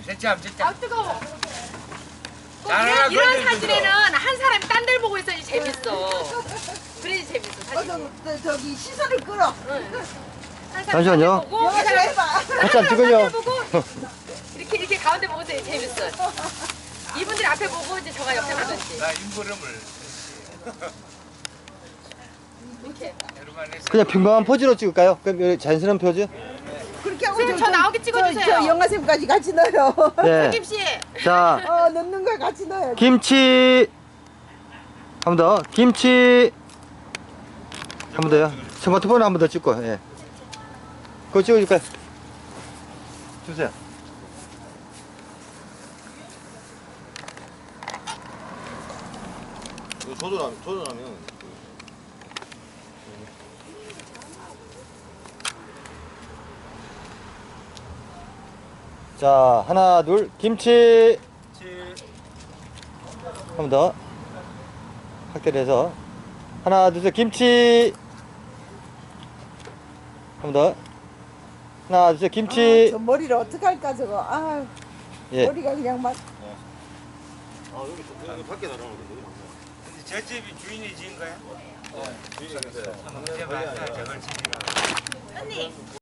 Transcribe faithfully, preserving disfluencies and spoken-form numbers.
됐지 안 됐지? 아 뜨거워. 꼭 자, 이런, 이런 그래도 사진에는 한 사람이 딴 데를 보고 있어야지 재밌어. 그래야지 재밌어 어, 사진이. 저, 저, 저기 시선을 끌어. 응. 한 사람이 잠시만요. 딴데 보고 이 영화 좀 사람이 해봐. 같이 안 찍어요. 딴데 보고 이렇게 이렇게 가운데 보고 있어야지 재밌어. 이분들이 앞에 보고 이제 저가 옆에 보든지. 나 인물음을 이렇게. 여러분 해서 그냥 평범한 포즈로 찍을까요? 그럼 여기 자연스러운 포즈? 그렇게 하고 선생님, 저 나오게 찍어주세요. 저, 저 영화샘까지 같이 넣어요. 네. 김 씨. 자, 어, 넣는 걸 같이 넣어요. 김치. 한 번 더. 김치. 한 번 더요. 스마트폰 한 번 더 찍고, 예. 그거 찍어줄까요? 주세요. 조절하면, 조절하면. 자, 하나, 둘, 김치. 한 번 더. 확대를 해서. 하나, 둘, 셋, 김치. 한 번 더. 하나, 둘, 셋, 아, 김치. 저 머리를 어떡할까 저거. 아, 예. 머리가 그냥 막. 아, 여기, 여기 밖에 나가는 저 집이 주인이 지은 거야? 거. 주인이 이제 맞다 저걸 지은 거. 언니.